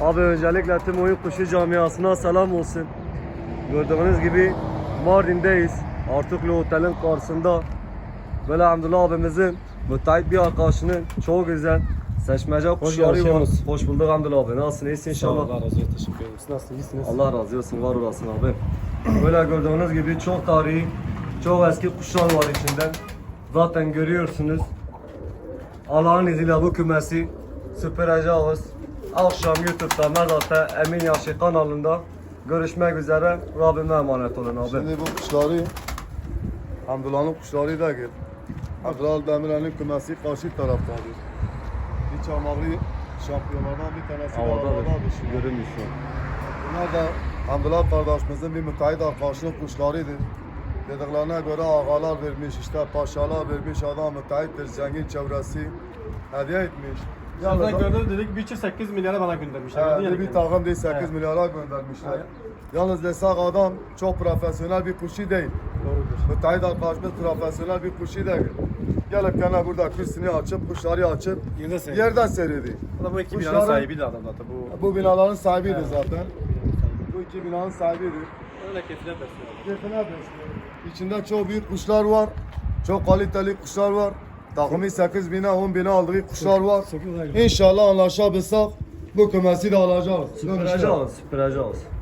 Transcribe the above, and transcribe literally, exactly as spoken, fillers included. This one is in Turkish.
Abi öncelikle tüm oyun kuşu camiasına selam olsun. Gördüğünüz gibi Mardin'deyiz. Artuklu Otel'in karşısında. Böyle Hamdullah abimizin müteahhit bir arkadaşının çok güzel seçmece kuşları var. geldiniz. Hoş bulduk Hamdullah abi. Nasılsın? İyisin inşallah. Allah razı olsun. Teşekkür ederim. Siz nasılsınız? İyisiniz? Allah razı olsun. Var olasın abi. Böyle gördüğünüz gibi çok tarihi, çok eski kuşlar var içinden. Zaten görüyorsunuz. Allah'ın izniyle bu kümesi süpüreceğiz. Akşam YouTube'da Medat'ta Emin Yaşı kanalında görüşmek üzere. Rabbime emanet olun abi. Şimdi bu kuşları Hamdullah'ın kuşları da gel. Kral Demirel'in kümesi karşı taraftadır. Bir çamaklı şampiyonlardan bir tanesi de Havada havadadır şimdi. görünmüş şu an. Bunlar da Hamdullah kardeşimizin bir müteahhit arkadaşının kuşlarıdır. Dediklerine göre ağalar vermiş, işte paşalar vermiş, adam müteahhittir, zengin çevresi hediye etmiş. Yalnız gördüm dedik bir çift sekiz milyara bana göndermişler. Ee, Yani bir takım değil sekiz Evet. milyara göndermişler. Evet. Yalnız desek adam çok profesyonel bir kuşu değil. Doğrudur. Müteahhit arkadaşımız profesyonel bir kuşu değil. Gelip gene burada kürsünü açıp, kuşları açıp Yerden seyrediyor. yerden seyrediyor. Bu da bu iki Kuşların- binanın sahibiydi adam zaten. Bu, Bu binaların sahibidir Evet. zaten. Bu iki binanın sahibidir. öyle keyfine besliyor. Keyfine besliyor. İçinde çok büyük kuşlar var. Çok kaliteli kuşlar var. Takımı sekiz bine, on bine aldığı kuşlar var. sekiz ay. İnşallah anlaşabilsek bu kümesi de alacağız. Süpüreceğiz, süpüreceğiz.